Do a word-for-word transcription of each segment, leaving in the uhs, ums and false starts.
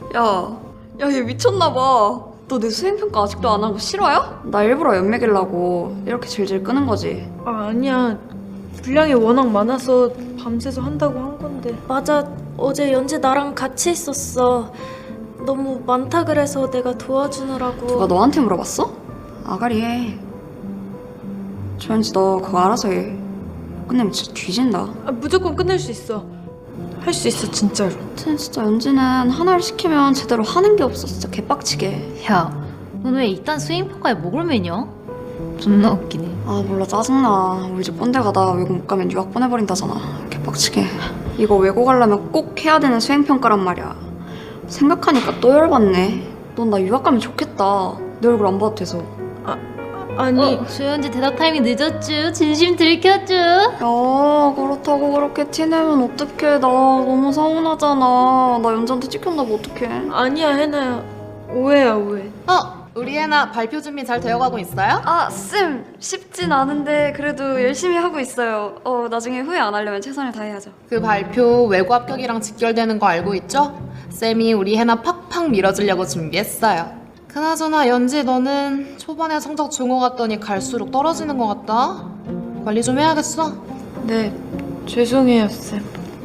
야, 야, 얘 미쳤나봐. 너 내 수행평가 아직도 안 한 거 싫어요? 나 일부러 연맥이려고 이렇게 질질 끄는 거지. 아, 아니야. 분량이 워낙 많아서 밤새서 한다고 한 건데. 맞아. 어제 연재 나랑 같이 있었어. 너무 많다 그래서 내가 도와주느라고. 누가 너한테 물어봤어? 아가리 해. 조연지 너 그거 알아서 해. 끝내면 진짜 뒤진다. 아, 무조건 끝낼 수 있어. 할 수 있어, 진짜로. 아무튼 진짜 연지는 하나를 시키면 제대로 하는 게 없어. 진짜 개빡치게. 야, 넌 왜 이딴 수행평가에 목을 매냐? 존나 웃기네. 아 몰라 짜증나. 우리 집 꼰대 가다 외국 못 가면 유학 보내버린다잖아. 개빡치게. 이거 외국 가려면 꼭 해야 되는 수행평가란 말이야. 생각하니까 또 열받네. 넌 나 유학 가면 좋겠다. 내 얼굴 안 봐도 돼서. 아니, 어, 조연지 대답 타임이 늦었쥬. 진심 들켰쥬. 야 그렇다고 그렇게 티내면 어떡해. 나 너무 서운하잖아. 나 연지한테 찍혔나봐. 어떡해. 아니야, 해나야. 오해야, 오해. 어, 우리 애나 발표 준비 잘 되어가고 있어요? 아 쌤 쉽진 않은데 그래도 열심히 하고 있어요. 어 나중에 후회 안 하려면 최선을 다해야죠. 그 발표 외고 합격이랑 직결되는 거 알고 있죠? 쌤이 우리 해나 팍팍 밀어주려고 준비했어요. 그나저나 연지 너는 초반에 성적 좋은 거 같더니 갈수록 떨어지는 거 같다? 관리 좀 해야겠어. 네, 죄송해요, 쌤.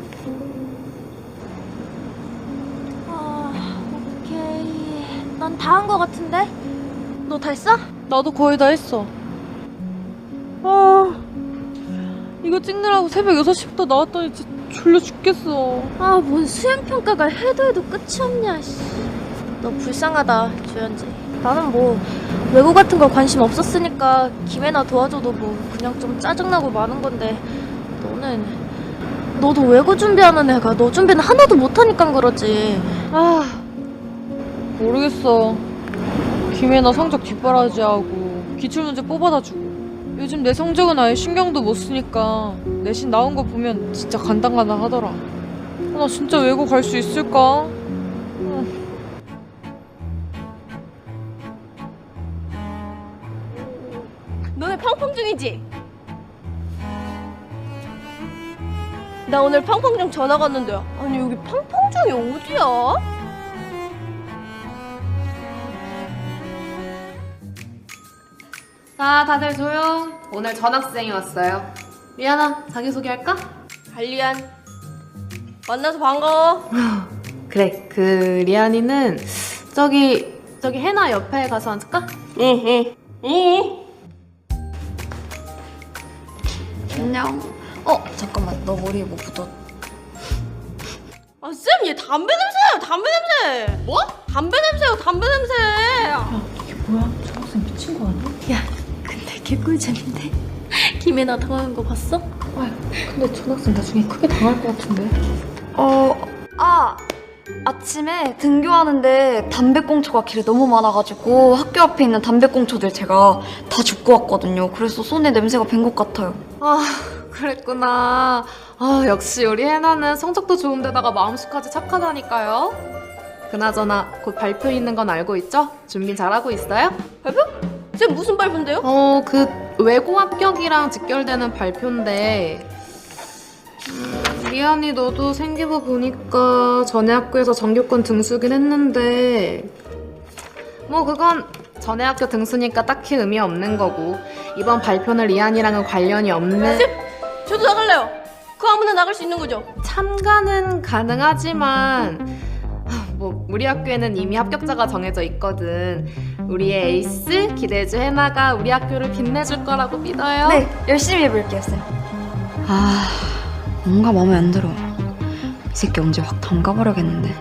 아, 오케이. 난 다 한 거 같은데? 너 다 했어? 나도 거의 다 했어. 아, 이거 찍느라고 새벽 여섯 시부터 나왔더니 진짜 졸려 죽겠어. 아, 뭔 수행평가가 해도 해도 끝이 없냐, 씨. 너 불쌍하다, 조연지. 나는 뭐 외고 같은 거 관심 없었으니까 김혜나 도와줘도 뭐 그냥 좀 짜증나고 마는 건데 너는 너도 외고 준비하는 애가 너 준비는 하나도 못하니까 그러지. 아, 모르겠어. 김혜나 성적 뒷바라지하고 기출문제 뽑아다 주고 요즘 내 성적은 아예 신경도 못 쓰니까 내신 나온 거 보면 진짜 간당간당 하더라. 아, 나 진짜 외고 갈 수 있을까? 너네 팡팡 중이지? 나 오늘 팡팡중 전화 갔는데 아니 여기 팡팡중이 어디야? 자, 다들 조용. 오늘 전학생이 왔어요. 리아나, 자기소개할까? 관리안 만나서 반가워. 그래, 그 리안이는 저기 저기 해나 옆에 가서 앉을까? 안녕. 어 잠깐만 너 머리에 뭐 묻었. 아 쌤, 얘 담배 냄새야, 담배 냄새. 뭐? 담배 냄새요, 담배 냄새. 뭐야? 초등학생 미친 거 아니야? 야, 근데 개꿀잼인데. 김혜나 당하는 거 봤어? 아, 근데 초등학생 나중에 크게 당할 것 같은데. 어, 아, 아침에 등교하는데 담배꽁초가 길에 너무 많아가지고 학교 앞에 있는 담배꽁초들 제가 다 줍고 왔거든요. 그래서 손에 냄새가 밴 것 같아요. 아, 그랬구나. 아, 역시 우리 해나는 성적도 좋은데다가 마음씨까지 착하다니까요. 그나저나 곧 발표 있는 건 알고 있죠? 준비 잘하고 있어요? 쌤 무슨 발표인데요? 어, 그 외고 합격이랑 직결되는 발표인데 음, 리안이 너도 생기부 보니까 전에 학교에서 전교권 등수긴 했는데 뭐 그건 전에 학교 등수니까 딱히 의미 없는 거고 이번 발표는 리안이랑은 관련이 없는 저도 나갈래요. 그 아무나 나갈 수 있는 거죠? 참가는 가능하지만 아, 뭐 우리 학교에는 이미 합격자가 정해져 있거든. 우리의 에이스 기대주 해나가 우리 학교를 빛내줄 거라고 믿어요. 네, 열심히 해볼게요, 쌤. 아, 뭔가 마음에 안 들어. 이 새끼 언제 확 담가버려야겠는데.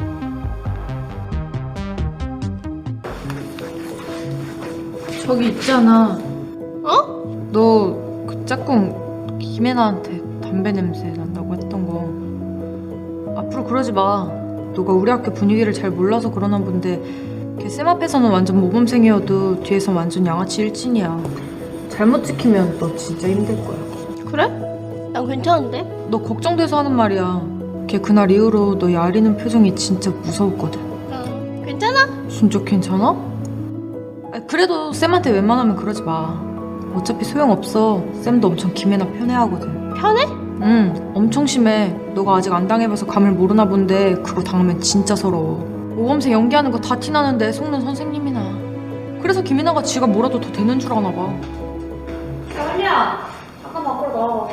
저기 있잖아. 어? 너 그 짝꿍 김혜나한테 담배 냄새 난다고 했던 거 앞으로 그러지 마. 너가 우리 학교 분위기를 잘 몰라서 그러나 본데 걔 쌤 앞에서는 완전 모범생이어도 뒤에선 완전 양아치 일진이야. 잘못 찍히면 너 진짜 힘들 거야. 그래? 난 괜찮은데? 너 걱정돼서 하는 말이야. 걔 그날 이후로 너 야리는 표정이 진짜 무서웠거든. 응. 괜찮아? 진짜 괜찮아? 아, 그래도 쌤한테 웬만하면 그러지 마. 어차피 소용없어. 쌤도 엄청 김혜나 편애하거든. 편해? 응, 엄청 심해. 너가 아직 안 당해봐서 감을 모르나 본데 그거 당하면 진짜 서러워. 모범생 연기하는 거 다 티나는데 속는 선생님이나. 그래서 김이나가 지가 뭐라도 더 되는 줄 아나 봐. 할리야, 잠깐 밖으로 나와봐.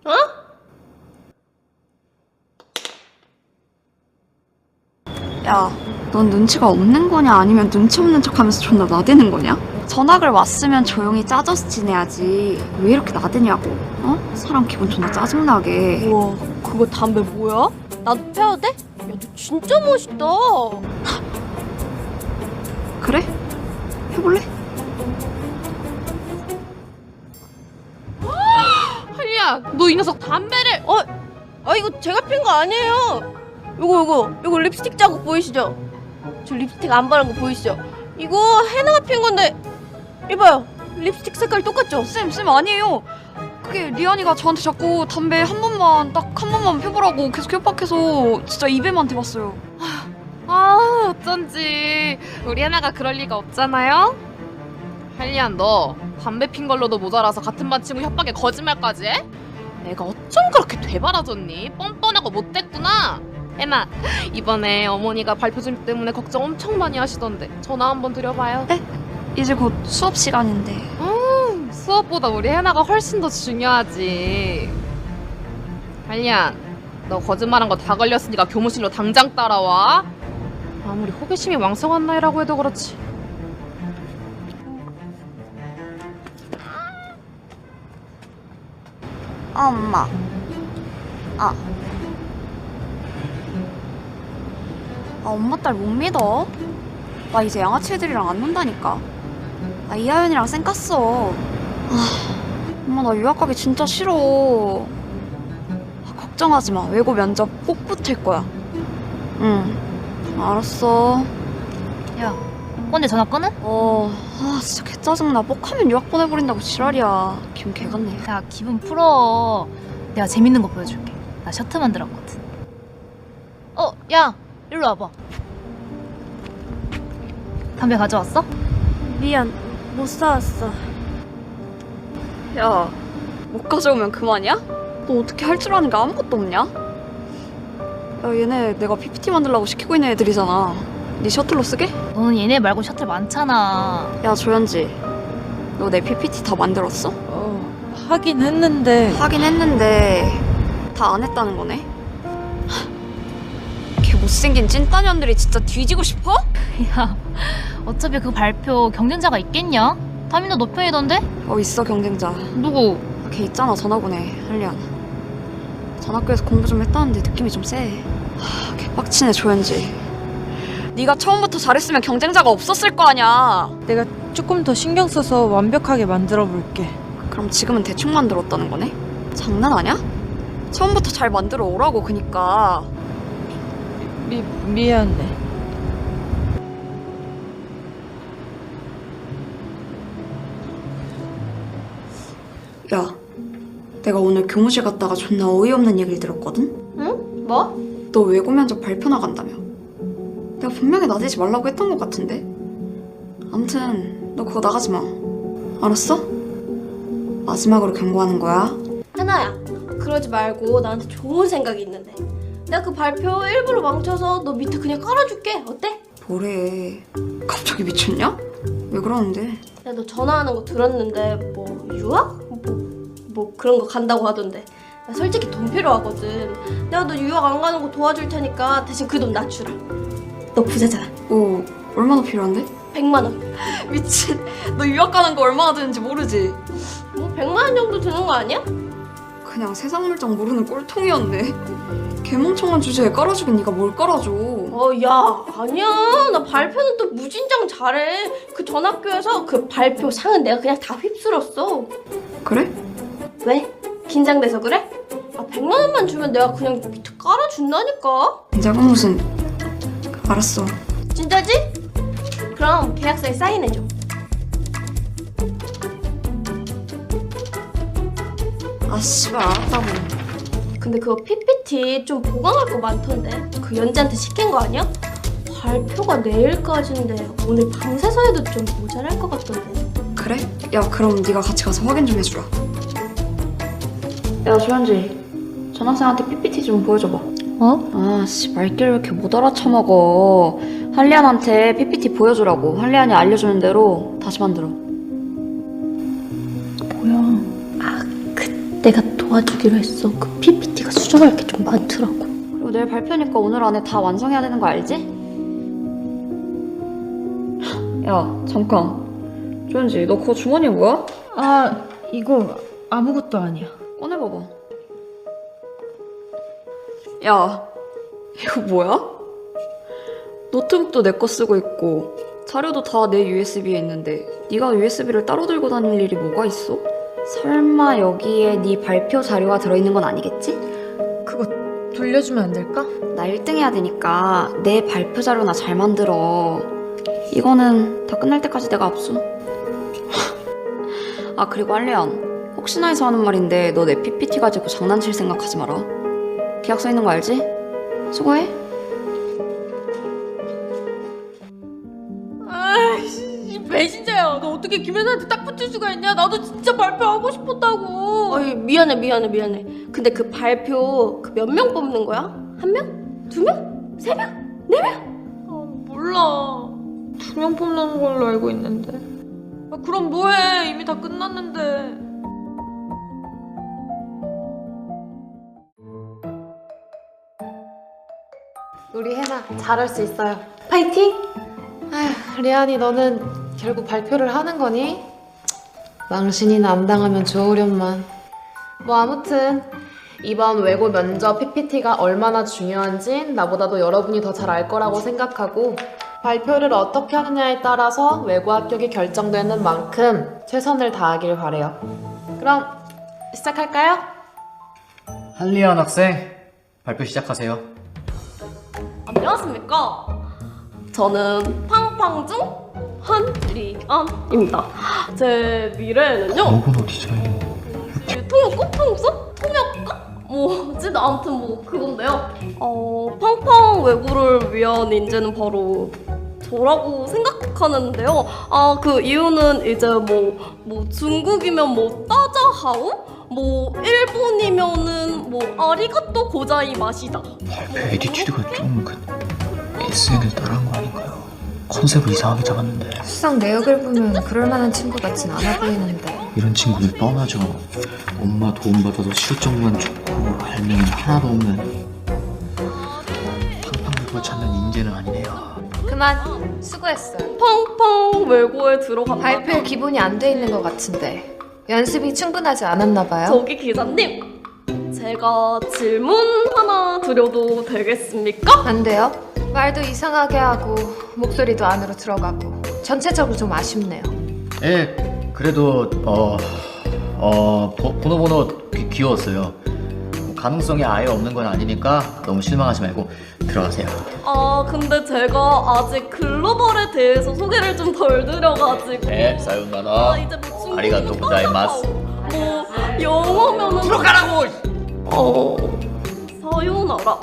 야, 넌 눈치가 없는 거냐 아니면 눈치 없는 척하면서 존나 나대는 거냐? 전학을 왔으면 조용히 짜져서 지내야지. 왜 이렇게 나대냐고? 어? 사람 기분 존나 짜증나게. 우와, 그거 담배 뭐야? 나도 펴도 돼? 야, 너 진짜 멋있다. 그래? 해볼래? 할리야, 너 이 녀석 담배를. 어, 아 이거 제가 핀 거 아니에요. 요거 요거 요거 립스틱 자국 보이시죠? 저 립스틱 안 바른 거 보이시죠? 이거 해나가 핀 건데 이봐요. 립스틱 색깔 똑같죠? 쌤, 쌤 아니에요. 그게 리안이가 저한테 자꾸 담배 한 번만, 딱 한 번만 펴보라고 계속 협박해서 진짜 입에만 대봤어요. 아, 어쩐지 우리 하나가 그럴 리가 없잖아요. 할리안, 너 담배 핀 걸로도 모자라서 같은 반 친구 협박에 거짓말까지 해? 내가 어쩜 그렇게 되바라졌니? 뻔뻔하고 못됐구나. 에나, 이번에 어머니가 발표 준비 때문에 걱정 엄청 많이 하시던데 전화 한번 드려봐요. 이제 곧 수업 시간인데. 음, 수업보다 우리 해나가 훨씬 더 중요하지. 할리안, 너 거짓말한 거 다 걸렸으니까 교무실로 당장 따라와. 아무리 호기심이 왕성한 나이라고 해도 그렇지. 아, 엄마. 아. 아, 엄마 딸 못 믿어. 나 이제 양아치 애들이랑 안 논다니까. 나 이하연이랑 쌩 깠어. 아, 엄마 나 유학 가기 진짜 싫어. 아, 걱정하지 마. 외고 면접 꼭 붙을 거야. 응. 알았어. 야, 꼰대 전화 끊어? 어, 아 진짜 개 짜증나. 뻑하면 유학 보내버린다고 지랄이야. 기분 개같네. 야, 기분 풀어. 내가 재밌는 거 보여줄게. 나 셔츠 만들었거든. 어, 야, 일로 와봐. 담배 가져왔어? 미안, 못 사왔어. 야, 못 가져오면 그만이야? 너 어떻게 할 줄 아는 게 아무것도 없냐? 야, 얘네 내가 피피티 만들라고 시키고 있는 애들이잖아. 네 셔틀로 쓰게? 너는 얘네 말고 셔틀 많잖아. 야, 조현지. 너 내 피피티 다 만들었어? 어, 하긴 했는데. 하긴 했는데 다 안 했다는 거네? 걔 못생긴 찐따년들이 진짜 뒤지고 싶어? 야, 어차피 그 발표 경쟁자가 있겠냐? 다민도 너 편이던데? 어, 있어 경쟁자. 누구? 걔 있잖아, 전학오네, 한리안. 전학교에서 공부 좀 했다는데 느낌이 좀 세. 하, 개빡치네, 조현지. 네가 처음부터 잘했으면 경쟁자가 없었을 거 아니야. 내가 조금 더 신경 써서 완벽하게 만들어 볼게. 그럼 지금은 대충 만들었다는 거네? 장난 아냐? 처음부터 잘 만들어 오라고, 그니까. 미, 미안해. 야, 내가 오늘 교무실 갔다가 존나 어이없는 얘기를 들었거든? 응? 뭐? 너 외고 면접 발표 나간다며. 내가 분명히 나대지 말라고 했던 것 같은데? 암튼 너 그거 나가지 마. 알았어? 마지막으로 경고하는 거야. 하나야, 그러지 말고 나한테 좋은 생각이 있는데. 내가 그 발표 일부러 망쳐서 너 밑에 그냥 깔아줄게. 어때? 뭐래. 갑자기 미쳤냐? 왜 그러는데? 내가 너 전화하는 거 들었는데 뭐 유학? 뭐, 뭐 그런 거 간다고 하던데. 나 솔직히 돈 필요하거든. 내가 너 유학 안 가는 거 도와줄 테니까 대신 그 돈 낮추라. 너 부자잖아. 오, 얼마나 필요한데? 백만 원. 미친. 너 유학 가는 거 얼마나 드는지 모르지? 뭐 백만 원 정도 드는 거 아니야? 그냥 세상 물정 모르는 꼴통이었네. 개멍청한 주제에 깔아주긴 네가 뭘 깔아줘. 어, 야, 아니야. 나 발표는 또 무진장 잘해. 그 전학교에서 그 발표 상은 내가 그냥 다 휩쓸었어. 그래? 왜? 긴장돼서 그래? 아, 백만 원만 주면 내가 그냥 밑에 깔아준다니까. 작은 무슨. 알았어. 진짜지? 그럼 계약서에 사인해줘. 아, 씨발, 알았다고. 근데 그거 피피티 좀 보강할 거 많던데. 그 연지한테 시킨 거 아니야? 발표가 내일까지인데 오늘 밤새서 해도 좀 모자랄 것 같던데. 그래? 야, 그럼 네가 같이 가서 확인 좀 해주라. 야, 조현지. 전학생한테 피피티 좀 보여줘봐. 어? 아, 씨, 말귀를 왜 이렇게 못 알아쳐먹어. 한리안한테 피피티 보여주라고. 한리안이 알려주는 대로 다시 만들어. 내가 도와주기로 했어. 그 피피티가 수정할 게 좀 많더라고. 그리고 내일 발표니까 오늘 안에 다 완성해야 되는 거 알지? 야, 잠깐. 조현지, 너 그거 주머니에 뭐야? 아, 이거 아무것도 아니야. 꺼내봐봐. 야, 이거 뭐야? 노트북도 내 거 쓰고 있고 자료도 다 내 유에스비에 있는데 네가 유에스비를 따로 들고 다닐 일이 뭐가 있어? 설마 여기에 네 발표 자료가 들어있는 건 아니겠지? 그거 돌려주면 안 될까? 나 일 등 해야 되니까 내 발표 자료나 잘 만들어. 이거는 다 끝날 때까지 내가 압수. 아, 그리고 한리안, 혹시나 해서 하는 말인데 너 내 피피티 가지고 장난칠 생각하지 마라. 계약 써 있는 거 알지? 수고해. 아이씨, 배신자야. 너 어떻게 김혜나한테 딱 붙을 수가 있냐? 나도 진짜 발표하고 싶었다고. 어이, 미안해, 미안해, 미안해. 근데 그 발표 그 몇 명 뽑는 거야? 한 명? 두 명? 세 명? 네 명? 아, 몰라. 두 명 뽑는 걸로 알고 있는데. 아, 그럼 뭐해? 이미 다 끝났는데. 우리 혜나 잘할 수 있어요. 파이팅! 아휴, 리안이 너는 결국 발표를 하는 거니? 망신이나 안 당하면 좋으련만. 뭐 아무튼 이번 외고 면접 피피티가 얼마나 중요한진 나보다도 여러분이 더 잘 알 거라고 생각하고 발표를 어떻게 하느냐에 따라서 외고 합격이 결정되는 만큼 최선을 다하길 바래요. 그럼 시작할까요? 한리안 학생, 발표 시작하세요. 안녕하십니까? 저는 팡팡중 한리안입니다. 제 미래에는요. 로고노 디자인. 통역 꽃통수? 통역가? 뭐지? 아무튼 뭐 그건데요. 어, 팡팡 외고를 위한 인재는 바로 저라고 생각하는데요. 아, 그 이유는 이제 뭐, 뭐 중국이면 뭐 따자하오? 뭐 일본이면은 뭐 아리가또 고자이마시다. 발표 에디튜드가 좀 그 에스엔을 따라한 거 아닌가요? 컨셉을 이상하게 잡았는데. 수상 내역을 보면 그럴 만한 친구 같진 않아 보이는데. 이런 친구는 뻔하죠. 엄마 도움받아도 실적만 좋고 할 명은 하나도 없는 팡팡을 찾는 인재는 아니네요. 그만 수고했어요. 팡팡 외고에 들어간다. 발표에 기본이 안 돼 있는 것 같은데 연습이 충분하지 않았나 봐요. 저기 기자님, 제가 질문 하나 드려도 되겠습니까? 안 돼요? 말도 이상하게 하고 목소리도 안으로 들어가고 전체적으로 좀 아쉽네요. 예, 그래도 어, 어 보, 번호 번호 귀, 귀여웠어요. 뭐 가능성이 아예 없는 건 아니니까 너무 실망하지 말고 들어가세요. 아, 근데 제가 아직 글로벌에 대해서 소개를 좀 덜 드려가지고. 네, 아, 사요나라. 이제 뭐 중국은 아리가또 고자이마스. 뭐 영어면은 들어가라고! 어, 사요나라.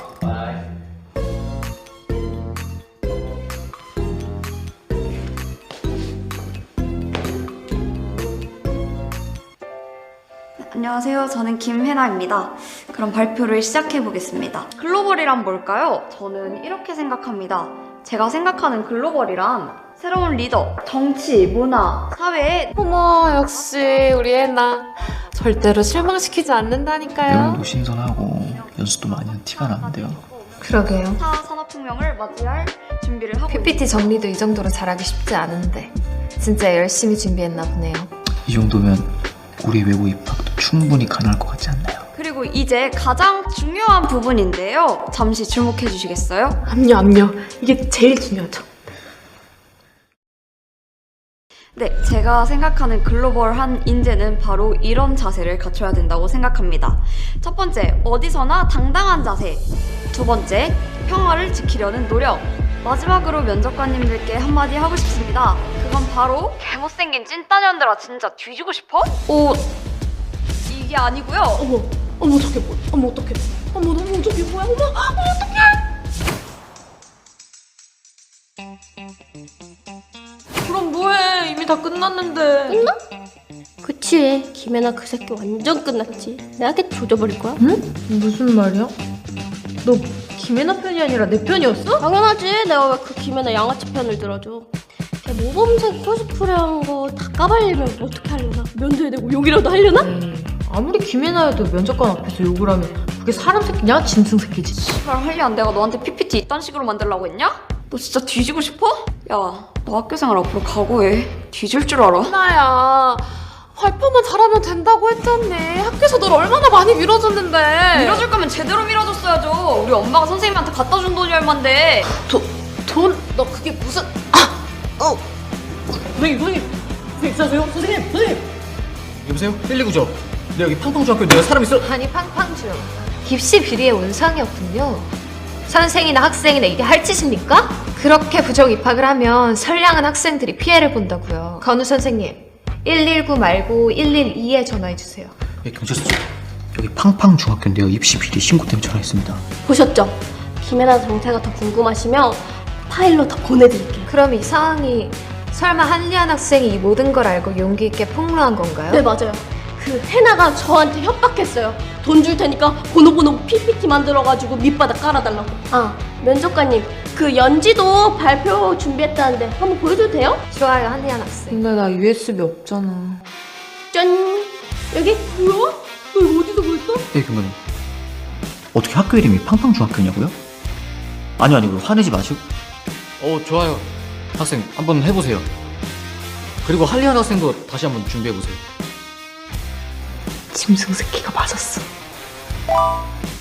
안녕하세요. 저는 김혜나입니다. 그럼 발표를 시작해 보겠습니다. 글로벌이란 뭘까요? 저는 이렇게 생각합니다. 제가 생각하는 글로벌이란 새로운 리더, 정치, 문화, 사회에 어머 역시 우리 애나 절대로 실망시키지 않는다니까요. 내용도 신선하고 연습도 많이 한 티가 나는데요. 그러게요. 사 산업혁명을 맞이할 준비를 하고 피피티 정리도 이 정도로 잘하기 쉽지 않은데 진짜 열심히 준비했나 보네요. 이 정도면 우리 외고 입학도 충분히 가능할 것 같지 않나요? 그리고 이제 가장 중요한 부분인데요. 잠시 주목해 주시겠어요? 압류 압류 이게 제일 중요하죠. 네, 제가 생각하는 글로벌한 인재는 바로 이런 자세를 갖춰야 된다고 생각합니다. 첫 번째, 어디서나 당당한 자세. 두 번째, 평화를 지키려는 노력. 마지막으로 면접관님들께 한마디 하고 싶습니다. 그건 바로 개못생긴 찐따년들아 진짜 뒤지고 싶어? 오, 이게 아니고요. 어머, 어머 저게 뭐야? 어머 어떡해? 어머 어머 저게 뭐야? 어머 어머 어떡해? 그럼 뭐해? 이미 다 끝났는데. 끝나? 그치, 김혜나 그 새끼 완전 끝났지. 내가 걔 조져버릴 거야. 무슨 말이야? 너 김혜나 편이 아니라 내 편이었어? 당연하지. 내가 왜 그 김혜나 양아치 편을 들어줘. 걔 모범생 코스프레 한 거 다 까발리면 어떻게 하려나? 면도해야 되고 욕이라도 하려나? 에이, 아무리 김혜나여도 면접관 앞에서 욕을 하면 그게 사람 새끼냐? 짐승 새끼지. 씨발 할리안 내가 너한테 피피티 이딴 식으로 만들라고 했냐? 너 진짜 뒤지고 싶어? 야, 너 학교생활 앞으로 각오해. 뒤질 줄 알아? 나야 발표만 잘하면 된다고 했잖니. 학교에서 널 얼마나 많이 밀어줬는데. 밀어줄 거면 제대로 밀어줬어야죠. 우리 엄마가 선생님한테 갖다 준 돈이 얼만데. 돈? 너 그게 무슨... 아! 어! 선생님 선생님! 선생님 있으세요? 선생님! 선생님! 여보세요? 일이구죠? 네, 여기 팡팡중학교인데 요 사람 있어? 아니 팡팡중 입시 비리의 온상이었군요. 선생이나 학생이나 이게 할 짓입니까? 그렇게 부정 입학을 하면 선량한 학생들이 피해를 본다고요. 건우 선생님 일일구 말고 일일이에 전화해주세요. 예, 경찰서죠. 여기 팡팡중학교인데요. 입시 비리 신고 때문에 전화했습니다. 보셨죠? 김혜나 정체가 더 궁금하시면 파일로 더 보내드릴게요. 그럼 이 상황이 설마 한리안 학생이 이 모든 걸 알고 용기 있게 폭로한 건가요? 네, 맞아요. 그 해나가 저한테 협박했어요. 돈 줄 테니까 보노보노 피피티 만들어가지고 밑바닥 깔아달라고. 아, 면접관님, 그 연지도 발표 준비했다는데 한번 보여줘도 돼요? 좋아요, 한리안 학생. 근데 나 유에스비 없잖아. 짠! 여기 뭐야? 너 이거 어디서 보였어? 예, 경관님. 어떻게 학교 이름이 팡팡중학교냐고요? 아니요, 아니요. 화내지 마시고. 어, 좋아요. 학생, 한번 해보세요. 그리고 할리안 학생도 다시 한번 준비해보세요. 짐승 새끼가 맞았어.